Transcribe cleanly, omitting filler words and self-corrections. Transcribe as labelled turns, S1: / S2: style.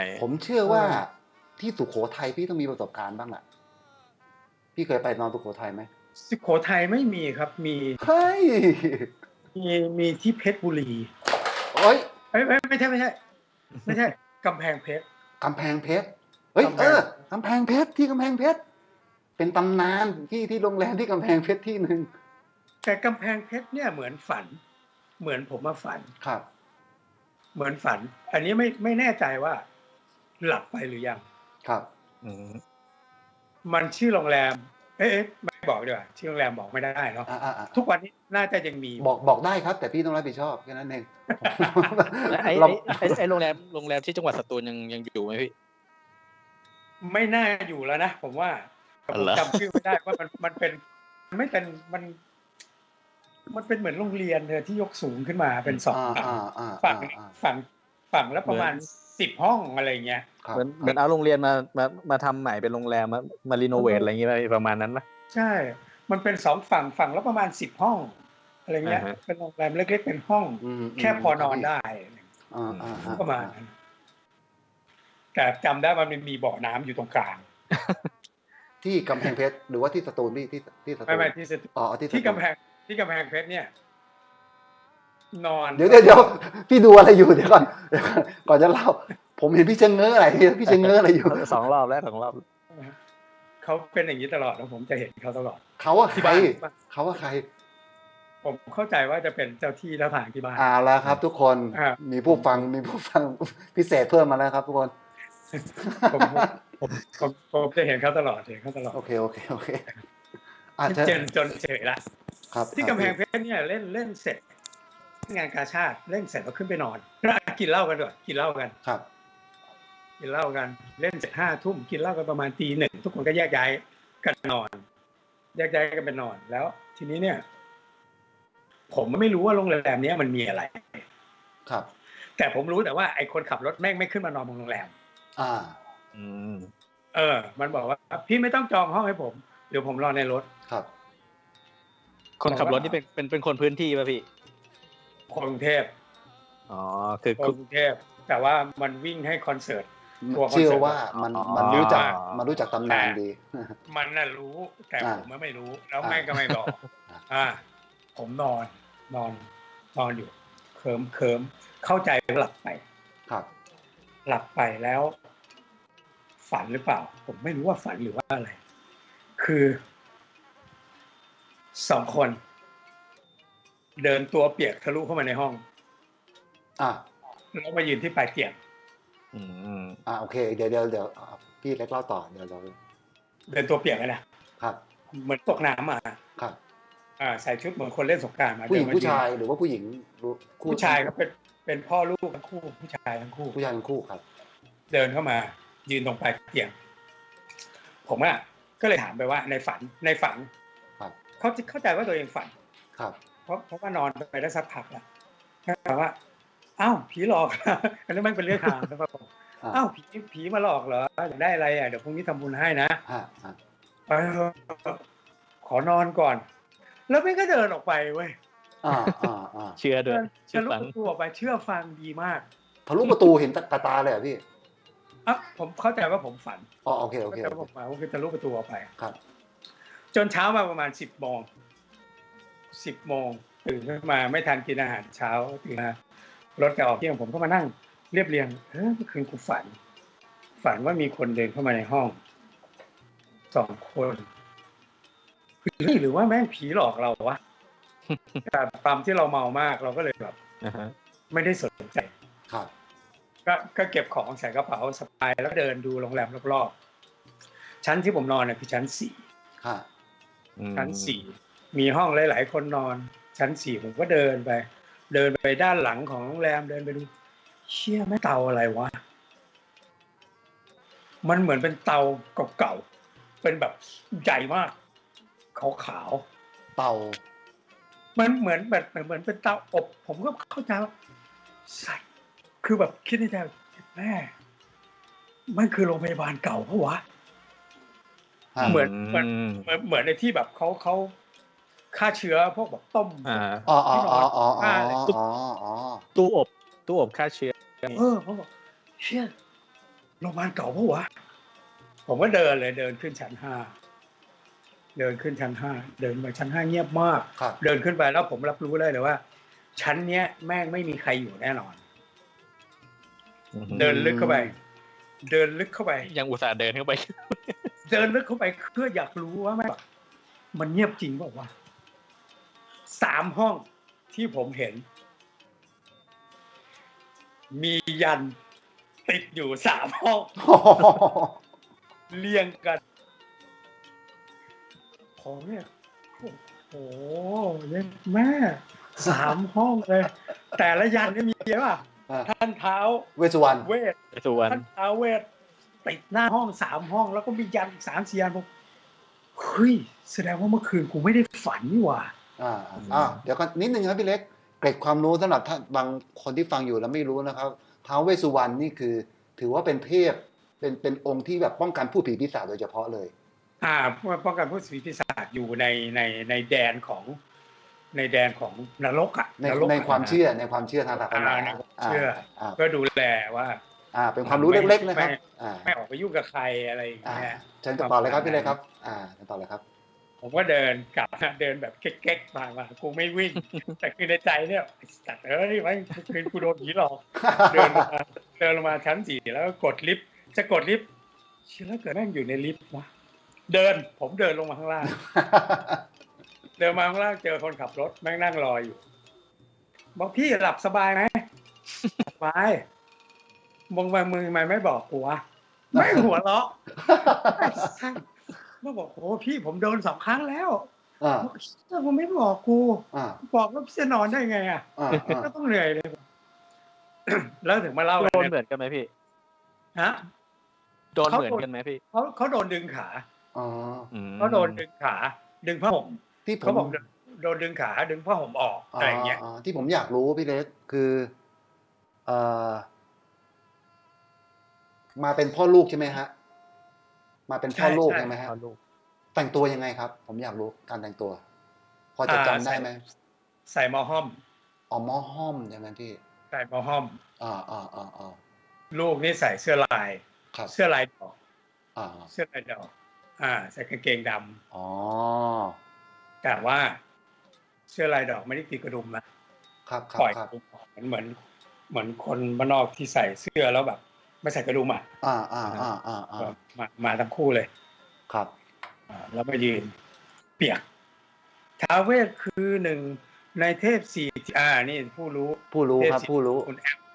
S1: ผมเชื่อว่าที่สุโขทัยพี่ต้องมีประสบการณ์บ้างแหละพี่เคยไปนอนสุโขทัยไหม
S2: สุโขทัยไม่มีครับ
S1: เฮ้ย
S2: มีที่เพชรบุรี
S1: โอ้ย
S2: ไม่ใช่กำแพงเพชร
S1: กำแพงเพชรเฮ้ยกำแพงเพชรที่กำแพงเพชรเป็นตำนานที่โรงแรมที่กำแพงเพชรที่หนึ่ง
S2: แต่กำแพงเพชรเนี่ยเหมือนฝันเหมือนผมมาฝัน
S1: ครับ
S2: เหมือนฝันอันนี้ไม่แน่ใจว่าหลับไปหรือยัง
S1: ครับ
S2: มันชื่อโรงแรมไม่บอกดีกว่าชื่อโรงแรมบอกไม่ได้เนาะทุกวันนี้น่าจะยังมี
S1: บอกได้ครับแต่พี่ต้องรับผิดชอบแค่นั้นเอง
S3: ไอ้โรงแรมที่จังหวัดสตูลยังอยู่ไหมพี่
S2: ไม่น่าอยู่แล้วนะผมว่าผมจำชื่อไม่ได้ว่ามันเป็นไม่เป็นมันเป็นเหมือนโรงเรียนที่ยกสูงขึ้นมาเป็นสองฝั่งแล้วประมาณ10 ห้องอะไรเงี้ย
S3: เหมือนเอาโรงเรียนมาทำใหม่เป็นโรงแรมมารีโนเวทอะไรอย่างเงี้ยประมาณนั้นนะ
S2: ใช่มันเป็น2ฝั่งแล้วประมาณ10 ห้องอะไรเงี้ยเป็นโรงแรมเล็กๆเป็นห้องแค่พอนอนได้ประมาณนั้นแต่จำได้ว่ามันมีบ่อน้ำอยู่ตรงกลาง
S1: ที่กำแพงเพชรหรือว่าที่สตูลที่สตูล
S2: ไม่ที่สตูลที่กำแพงเพชรเนี่ยนอน
S1: เดี๋ยวพี่ดูอะไรอยู่เดี๋ยวก่อนจะเล่าผมเห็นพี่เชงเง้ออะไรพี่เชงเง้ออะไรอยู่
S3: 2 รอบแล้ว
S2: เขาเป็นอย่างนี้ตลอดแล้วผมจะเห็นเขาตลอด
S1: เขาว่าใคร
S2: ผมเข้าใจว่าจะเป็นเจ้าที่แล้วทางที่บ้าน
S1: แล้วครับทุกคนมีผู้ฟังพิเศษเพิ่มมาแล้วครับทุกคน
S2: ผมจะเห็นเขาตลอด
S1: โอเค
S2: จนเฉยละที่กำแพงเพชรเนี่ยเล่นเสร็จงานกาชาดเล่นเสร็จแล้วขึ้นไปนอนกินเหล้ากันด้วยกินเหล้ากัน
S1: ครับ
S2: กินเหล้ากันเล่นเสร็จ5 ทุ่มกินเหล้ากันประมาณตี 1ทุกคนก็แยกย้ายกันนอนแยกย้ายกันไปนอนแล้วทีนี้เนี่ยผมไม่รู้ว่าโรงแรมนี้มันมีอะไร
S1: ครับ
S2: แต่ผมรู้แต่ว่าไอ้คนขับรถแม่งไม่ขึ้นมานอนบนโรงแรมมันบอกว่าพี่ไม่ต้องจองห้องให้ผมเดี๋ยวผมรอในรถ
S1: ครับ
S3: คนขับรถนี่เป็นคนพื้นที่ป่ะพี่
S2: คนกรุงเทพ
S3: คือ
S2: คนกรุงเทพแต่ว่ามันวิ่งให้คอนเสิร์ต
S1: เชื่อว่ามันรู้จักตำนานดี
S2: มันน่ะรู้แต่ผมไม่รู้แล้วแม่ก็ไม่บอกผมนอนอยู่เคิมเข้าใจหลับไป
S1: ครับ
S2: หลับไปแล้วฝันหรือเปล่าผมไม่รู้ว่าฝันหรือว่าอะไรคือ2 คนเดินตัวเปียกทะลุเข้ามาในห้องแล้วมายืนที่ปลายเตียง
S1: โอเคเดี๋ยวพี่เล็กเล่าต่อเดี๋ยวเรา
S2: เดินตัวเปียกนะครับเหมือนตกน้ำมา
S1: ครับ
S2: ใส่ชุดเหมือนคนเล่นสงกรานต์มา
S1: ผู้หญิงผู้ชายหรือว่าผู้หญิง
S2: ผู้ชายครับเป็นพ่อลูกทั้งคู่ผู้ชายทั้งคู่
S1: ครับ
S2: เดินเข้ามายืนตรงปลายเตียงผมก็เลยถามไปว่าในฝัน
S1: ครับ
S2: เขาเข้าใจว่าตัวเองฝัน
S1: ครับ
S2: เพราะว่านอนไปได้สักพักแล้วถามว่าอ้าวผีหลอกอันนี้มันเป็นเรื่องทางนะครับอ้าวผีมาหลอกเหรออยากได้อะไรเดี๋ยวพรุ่งนี้ทำบุญให้นะขอนอนก่อนแล้วไม่ก็เดินออกไปเว้ย
S3: เชื่อด้วย
S2: ทะลุประตูออกไปเชื่อฟังดีมาก
S1: ทะลุประตูเห็นตาเลยพี่
S2: ผมเข้าใจว่าผมฝัน
S1: โอเค
S2: ผมคือทะลุประตูออกไป
S1: ครับ
S2: จนเช้ามาประมาณ10 โมงตื่นขึ้นมาไม่ทันกินอาหารเช้าตื่นมารถจะออกเที่ยงผมก็มานั่งเรียบเรียงเมื่อคืนกูฝันว่ามีคนเดินเข้ามาในห้อง2 คนหรือว่าแม่งผีหลอกเราวะแต่ความที่เราเมามากเราก็เลยแบบไม่ได้สนใจ
S1: ครับ
S2: ก็เก็บของใส่กระเป๋าสะพายแล้วเดินดูโรงแรมรอบๆชั้นที่ผมนอนเนี่ยคือชั้น4ชั้น4มีห้องหลายๆคนนอนชั้น4ผมก็เดินไปด้านหลังของโรงแรมเดินไปดูเชี่ยแม่เตาอะไรวะมันเหมือนเป็นเตาเก่าๆเป็นแบบใหญ่มากขาว
S1: เตา
S2: มันเหมือนเป็นเตาอบผมก็เข้าใจว่าใช่คือแบบคิดในใจแม่มันคือโรงพยาบาลเก่าเพราะวะเหมือนในที่แบบเขาฆ่าเชื้อพวกแบบต้ม
S3: ตู้อบฆ่าเชื้อ
S2: ผมบอกเชี่ยโรงพยาบาลเก่าปะวะผมก็เดินเลยเดินขึ้นชั้น 5เดินขึ้นชั้น 5เดินไปชั้น 5เงียบมาก
S1: ครับ
S2: เดินขึ้นไปแล้วผมรับรู้ได้เลยว่าชั้นเนี้ยแม่งไม่มีใครอยู่แน่นอน เดินลึกเข้าไป
S3: ยังอุตส่าห์เดินเข้าไป
S2: เดินลึกเข้าไปเพื่ออยากรู้ว่าแม่งมันเงียบจริงเปล่าวะ3 ห้องที่ผมเห็น มียันติดอยู่3 ห้อง เรียงกันผมเนี่ยโอ้โหเล่นแม่3 ห้องเลย แต่ละยันเนี่ยมีเยอะป่ะ ท่านเท้า
S1: เวสสุวรรณ
S2: เวท
S3: สุวรรณ
S2: ท่านท้าวเวทติดหน้าห้อง3 ห้องแล้วก็มียันอีก3-4 ยันผมเฮ้ยแสดงว่าเมื่อคืนกูไม่ได้ฝันนี่หว่า
S1: เดี๋ยวก่อนนิดนึงครับพี่เล็กเกร็ดความรู้สำหรับท่านบางคนที่ฟังอยู่แล้วไม่รู้นะครับท้าวเวสสุวรรณนี่คือ ถือว่าเป็นเทพเป็นองค์ที่แบบป้องกันผู้ผีปีศาจโดยเฉพาะเลย
S2: ป้องกันผู้ผีปีศาจอยู่ในแดนของนรกอ่ะ
S1: ในความเชื่อทางศาสนา
S2: เชื่อก็ดูแลว่า
S1: เป็นความรู้เล็กๆนะครับ
S2: ไม่ออกไปยุ่งกับใครอะไรอย่างเงี้ย
S1: เชิญต่อเลยครับพี่เล็กครับต่อเลยครับ
S2: ผมก็เดินกลับเดินแบบเก๊กๆมากูไม่วิ่ง แต่คือในใจเนี่ยจัดนี่ไว้คืนกูโดนผีหลอกเดินลงมาชั้น 4แล้วก็กดลิฟต์จะกดลิฟต์เชื่อแล้วเกิดแม่งอยู่ในลิฟต์วะผมเดินลงมาข้างล่าง เดินมาข้างล่างเจอคนขับรถแม่งนั่งรออยู่บอกพี่หลับสบายไหมสบายมึงไม่บอกกูวะไม่หัวเราะมาบอกโอ้พี่ผมโดน2 ครั้งแล้วผมไม่บอกกูบอกแล้วพี่จะนอนได้ไงก็ต้องเหนื่อยเลยแล้วถึงมาเล่า
S3: โดนเหมือนกันไหมพี่
S2: ฮะ
S3: โดนเหมือนกันไหมพี่
S2: เขาโดนดึงขาเขาโดนดึงขาดึงผ้าห่ม
S1: ที่
S2: เขาบอกโดนดึงขาดึงผ้าห่มออกอะไรอย่างเงี้ย
S1: ที่ผมอยากรู้พี่เล็กคือมาเป็นพ่อลูกใช่ไหมฮะมาเป็นพ่อลูกใช่ไหมฮะแต่งตัวยังไงครับผมอยากรู้การแต่งตัวพอจะจำได้ไหม
S2: ใส่หม้อห้อม
S1: หม้อห้อมใช่ไหมพี่
S2: ใส่หม้อห้อม
S1: ลู
S2: กนี่ใส่เสื้อลายเสื้อลายดอกเสื้อลายดอกใส่กางเกงดำแต่ว่าเสื้อลายดอกไม่ได้ตีกระดุมนะครับปล่อยเหมือนคนบ้านนอกที่ใส่เสื้อแล้วแบบไม่ใส่กระดุมมาทั้งคู่เลย
S1: ครับ
S2: แล้วมายืนเปียกท้าวเวสคือ1ในเทพ4นี่ผู้รู้
S1: ครับผู้รู้
S2: คุณแอม